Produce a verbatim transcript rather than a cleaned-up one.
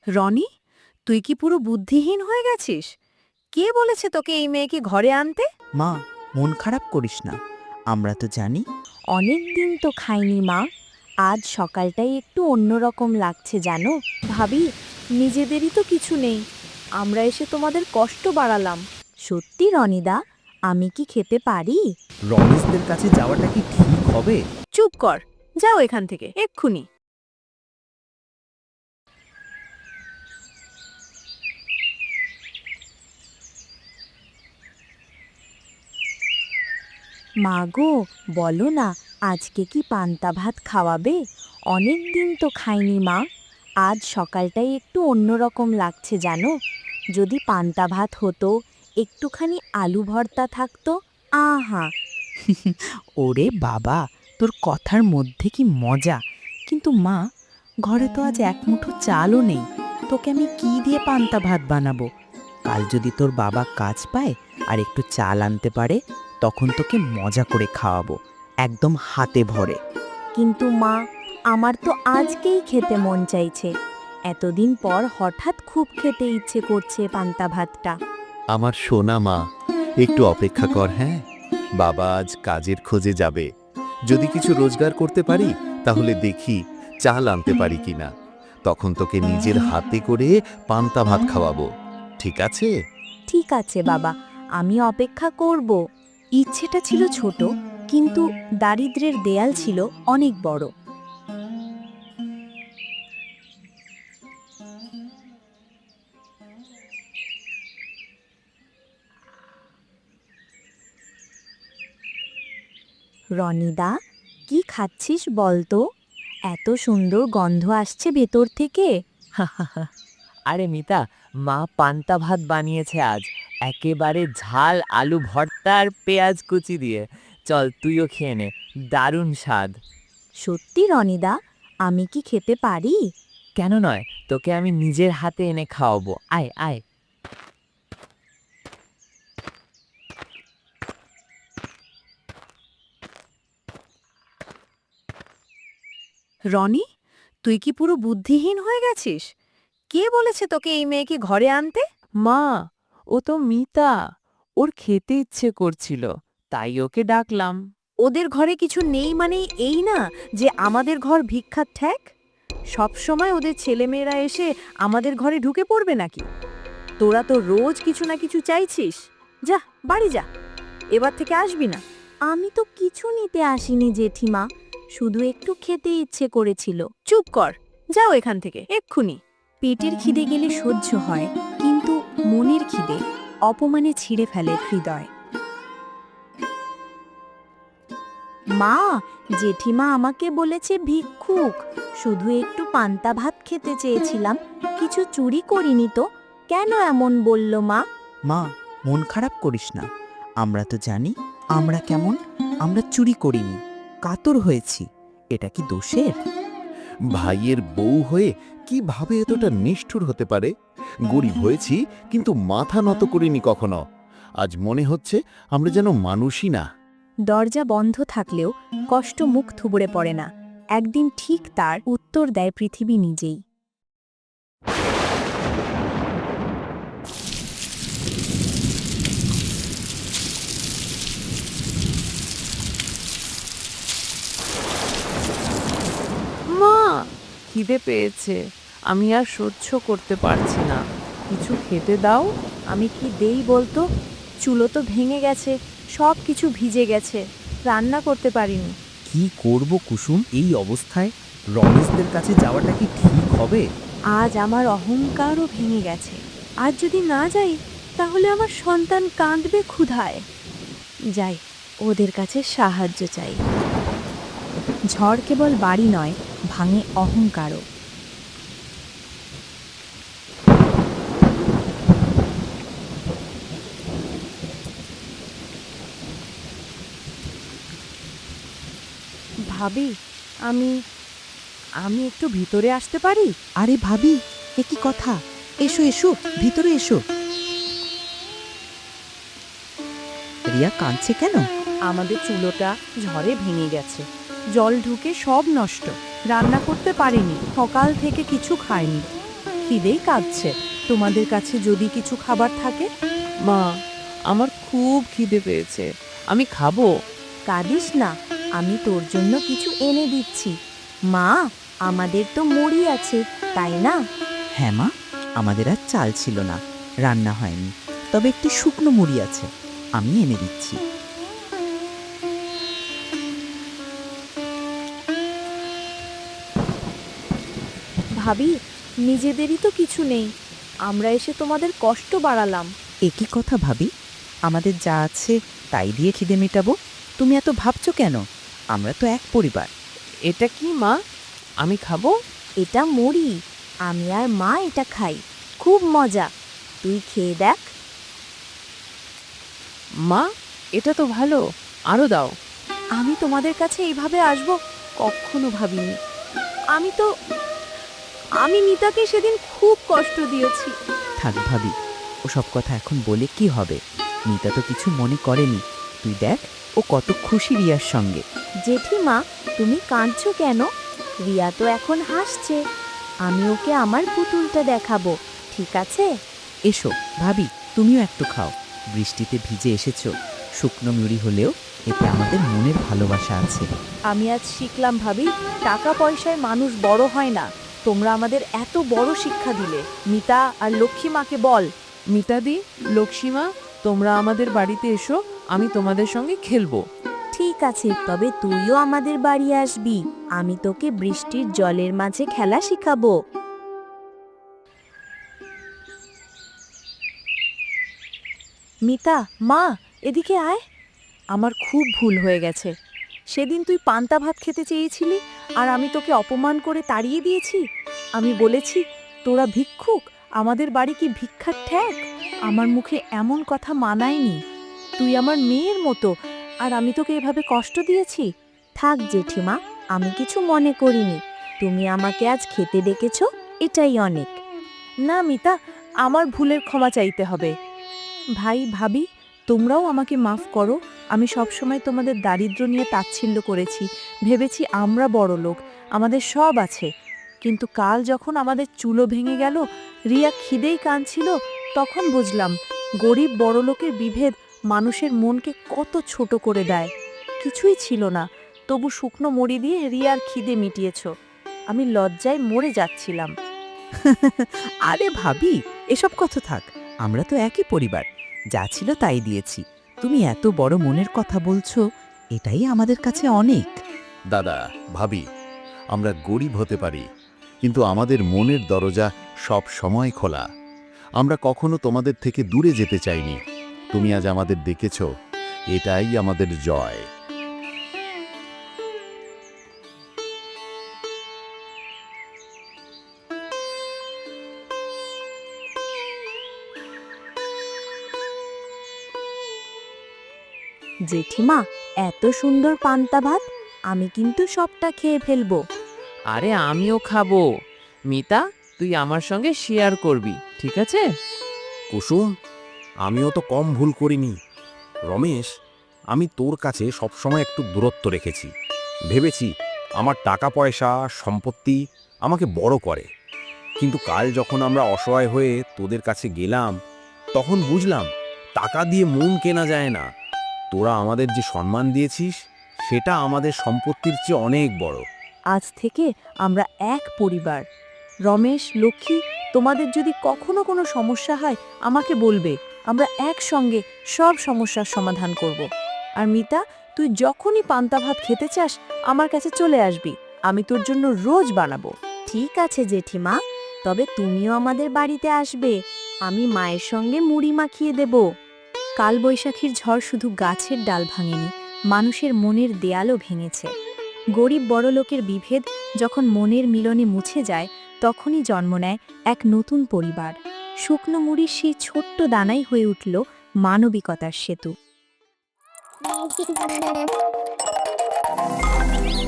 রনি, তুই কি পুরো বুদ্ধিহীন হয়ে গেছিস? কে বলেছে তোকে এই মেয়েকে ঘরে আনতে? মা, মন খারাপ করিস না। আমরা তো জানি। অনেক দিন তো খাইনি মা। আজ সকালটাই একটু অন্যরকম লাগছে জানো। ভাবি, নিজেদেরই তো কিছু নেই, আমরা এসে তোমাদের কষ্ট বাড়ালাম। সত্যি রনিদা, আমি কি খেতে পারি? রমেশদের কাছে যাওয়াটা কি ঠিক হবে? চুপ কর, যাও এখান থেকে এক্ষুনি। মা গো, বলো না, আজকে কি পান্তা ভাত খাওয়াবে? অনেক দিন তো খাইনি মা। আজ সকালটাই একটু অন্যরকম লাগছে জানো। যদি পান্তা ভাত হতো, একটুখানি আলু ভর্তা থাকতো, আহা! ওরে বাবা, তোর কথার মধ্যে কি মজা। কিন্তু মা, ঘরে তো আজ এক মুঠো চালও নেই। তোকে আমি কি দিয়ে পান্তা ভাত বানাবো? কাল যদি তোর বাবা কাজ পায় আর একটু চাল আনতে পারে, তখন তোকে মজা করে খাওয়াবো, একদম হাতে ভরে। কিন্তু মা, আমার তো আজকেই খেতে মন চাইছে। এতদিন পর হঠাৎ খুব খেতে ইচ্ছে করছে পান্তা ভাতটা। আমার সোনা মা, একটু অপেক্ষা কর। হ্যাঁ, বাবা আজ কাজের খোঁজে যাবে। যদি কিছু রোজগার করতে পারি তাহলে দেখি চাল আনতে পারি কিনা। তখন তোকে নিজের হাতে করে পান্তা ভাত খাওয়াবো, ঠিক আছে? ঠিক আছে বাবা, আমি অপেক্ষা করব। ইচ্ছেটা ছিল ছোট, কিন্তু দারিদ্র্যের দেয়াল ছিল অনেক বড়। রনিদা, কি খাচ্ছিস বলতো? এত সুন্দর গন্ধ আসছে ভেতর থেকে। আরে মিতা, মা পান্তা ভাত বানিয়েছে আজ, একেবারে ঝাল আলু ভর্তা আর পেঁয়াজ কুচি দিয়ে। চল তুইও খেয়ে নে, দারুণ স্বাদ। সত্যি রনিদা, আমি কি খেতে পারি? কেন নয়, তোকে আমি নিজের হাতে এনে খাওয়াবো। আয় আয়। রনি, তুই কি পুরো বুদ্ধিহীন হয়ে গেছিস? কে বলেছে তোকে এই মেয়েকে ঘরে আনতে? মা, ও তো মিতা, ওর খেতে ইচ্ছে করছিল, তাই ওকে ডাকলাম। ওদের ঘরে কিছু নেই মানে এই না যে আমাদের ঘর ভিক্ষার ঠ্যাক। সব সময় ওদের ছেলেমেয়েরা এসে আমাদের ঘরে ঢুকে পড়বে নাকি? তোরা তো রোজ কিছু না কিছু চাইছিস। যা, বাড়ি যা, এবার থেকে আসবি না। আমি তো কিছু নিতে আসিনি জেঠিমা, শুধু একটু খেতে ইচ্ছে করেছিল। চুপ কর, যাও এখান থেকে এক্ষুনি। পেটের খিদে গেলে সহ্য হয়, কিন্তু মনের খিদে অপমানে ছিঁড়ে ফেলে হৃদয়। মা, জেঠিমা আমাকে বলেছে ভিক্ষুক। শুধু একটু পান্তা ভাত খেতে চেয়েছিলাম, কিছু চুরি করিনি তো। কেন এমন বলল মা? মা, মন খারাপ করিস না। আমরা তো জানি আমরা কেমন। আমরা চুরি করিনি, কাতর হয়েছি। এটা কি দোষের? ভাইয়ের বউ হয়ে কিভাবে এতটা নিষ্ঠুর হতে পারে? গরিব হয়েছি কিন্তু মাথা নত করিনি কখনো। আজ মনে হচ্ছে আমরা যেন মানুষই না। দরজা বন্ধ থাকলেও কষ্ট মুখ থুবড়ে পড়ে না। একদিন ঠিক তার উত্তর দেয় পৃথিবী নিজেই। মা, খিদে পেয়েছে, আমি আর সহ্য করতে পারছি না, কিছু খেতে দাও। আমি কি দেই বলতো? চুলো তো ভেঙে গেছে, সব কিছু ভিজে গেছে, রান্না করতে পারিনি। কি করব কুসুম এই অবস্থায়? রমেশদের কাছে যাওয়াটা কি ঠিক হবে? আজ আমার অহংকারও ভেঙে গেছে। আজ যদি না যাই তাহলে আমার সন্তান কাঁদবে ক্ষুধায়। যাই, ওদের কাছে সাহায্য চাই। ঝড় কেবল বাড়ি নয়, ভাঙে অহংকারও। ভাবি, আমি আমি একটু ভিতরে আসতে পারি? আরে ভাবি, এ কি কথা? এসো এসো, ভিতরে এসো। রিয়া কাঁদছে কেন? আমাদের চুলোটা ঝড়ে ভেঙে গেছে, জল ঢুকে সব নষ্ট। রান্না করতে পারিনি, সকাল থেকে কিছু খাইনি। খিদেই কাঁদছে। তোমাদের কাছে যদি কিছু খাবার থাকে। মা, আমার খুব খিদে পেয়েছে, আমি খাবো। কাঁদিস না, আমি তোর জন্য কিছু এনে দিচ্ছি। মা, আমাদের তো মুড়ি আছে, তাই না? হ্যাঁ মা, আমাদের আর চাল ছিল না, রান্না হয়নি, তবে একটি শুকনো মুড়ি আছে, আমি এনে দিচ্ছি। ভাবি, নিজেদেরই তো কিছু নেই, আমরা এসে তোমাদের কষ্ট বাড়ালাম। একই কথা ভাবি, আমাদের যা আছে তাই দিয়ে খিদে মেটাবো। তুমি এত ভাবছো কেন? আমরা তো এক পরিবার। এটা কি মা, আমি খাবো? এটা মুড়ি, আমি আর মা এটা খাই, খুব মজা। তুই খেয়ে দেখ। মা, এটা তো ভালো, আরো দাও। আমি তোমাদের কাছে এইভাবে আসবো কখনো ভাবিনি। আমি তো আমি মিতাকে সেদিন খুব কষ্ট দিয়েছি। থাক ভাবি, ওসব কথা এখন বলে কি হবে? মিতা তো কিছু মনে করেনি। তুই দেখ, ও কত খুশি রিয়ার সঙ্গে। জেঠিমা, তুমি কাঁদছো কেন? রিয়া তো এখন হাসছে। আমি ওকে আমার পুতুলটা দেখাবো, ঠিক আছে? এসো ভাবি, তুমিও একটু খাও। বৃষ্টিতে ভিজে এসেছো, শুকনো মুড়ি হলেও এতে আমাদের মনের ভালোবাসা আছে। আমি আজ শিখলাম ভাবি, টাকা পয়সায় মানুষ বড় হয় না। তোমরা আমাদের এত বড় শিক্ষা দিলে। মিতা আর লক্ষ্মী মাকে বল। মিতাদি, লক্ষ্মীমা, তোমরা আমাদের বাড়িতে এসো, আমি তোমাদের সঙ্গে খেলবো। ঠিক আছে, তবে তুইও আমাদের বাড়ি আসবি। আমি তোকে বৃষ্টির জলের মাঝে খেলা শিখাবো। মিতা, মা, এদিকে আয়। আমার খুব ভুল হয়ে গেছে। সেদিন তুই পান্তা ভাত খেতে চেয়েছিলি আর আমি তোকে অপমান করে তাড়িয়ে দিয়েছি। আমি বলেছি তোরা ভিক্ষুক, আমাদের বাড়ি কি ভিক্ষার ঠ্যাক? আমার মুখে এমন কথা মানায়নি। তুই আমার মেয়ের মতো, আর আমি তোকে এভাবে কষ্ট দিয়েছি। থাক জেঠিমা, আমি কিছু মনে করিনি। তুমি আমাকে আজ খেতে ডেকেছো, এটাই অনেক। না মিতা, আমার ভুলের ক্ষমা চাইতে হবে। ভাই ভাবি, তোমরাও আমাকে মাফ করো। আমি সবসময় তোমাদের দারিদ্র্য নিয়ে তাচ্ছিল্য করেছি, ভেবেছি আমরা বড় লোক, আমাদের সব আছে। কিন্তু কাল যখন আমাদের চুলো ভেঙে গেল, রিয়া খিদেই কাঁদছিল, তখন বুঝলাম গরিব বড় লোকের বিভেদ মানুষের মনকে কত ছোট করে দেয়। কিছুই ছিল না, তবু শুকনো মুড়ি দিয়ে রিয়ার খিদে মিটিয়েছ। আমি লজ্জায় মরে যাচ্ছিলাম। আরে ভাবি, এসব কথা থাক, আমরা তো একই পরিবার। যা ছিল তাই দিয়েছি। তুমি এত বড় মনের কথা বলছো, এটাই আমাদের কাছে অনেক। দাদা, ভাবি, আমরা গরিব হতে পারি, কিন্তু আমাদের মনের দরজা সব সময় খোলা। আমরা কখনো তোমাদের থেকে দূরে যেতে চাইনি। তুমি আজ আমাদের ডেকেছ, এটাই আমাদের জয়। জেঠিমা, এত সুন্দর পান্তা ভাত, আমি কিন্তু সবটা খেয়ে ফেলবো। আরে আমিও খাবো। মিতা, তুই আমার সঙ্গে শেয়ার করবি, ঠিক আছে? কুসুম, আমিও তো কম ভুল করিনি। রমেশ, আমি তোর কাছে সবসময় একটু দূরত্ব রেখেছি। ভেবেছি আমার টাকা পয়সা সম্পত্তি আমাকে বড় করে, কিন্তু কাল যখন আমরা অসহায় হয়ে তোদের কাছে গেলাম, তখন বুঝলাম টাকা দিয়ে মন কেনা যায় না। তোরা আমাদের যে সম্মান দিয়েছিস, সেটা আমাদের সম্পত্তির চেয়ে অনেক বড়। আজ থেকে আমরা এক পরিবার। রমেশ, লক্ষ্মী, তোমাদের যদি কখনো কোনো সমস্যা হয় আমাকে বলবে, আমরা একসঙ্গে সব সমস্যার সমাধান করব। আর মিতা, তুই যখনই পান্তা ভাত খেতে চাস আমার কাছে চলে আসবি, আমি তোর জন্য রোজ বানাবো। ঠিক আছে জেঠিমা, তবে তুমিও আমাদের বাড়িতে আসবে। আমি মায়ের সঙ্গে মুড়ি মাখিয়ে দেব। কালবৈশাখীর ঝড় শুধু গাছের ডাল ভাঙেনি, মানুষের মনের দেয়ালও ভেঙেছে। গরিব বড়লোকের বিভেদ যখন মনের মিলনে মুছে যায়, তখনই জন্ম নেয় এক নতুন পরিবার। শুকনো মুড়ির সেই ছোট্ট দানাই হয়ে উঠল মানবিকতার সেতু।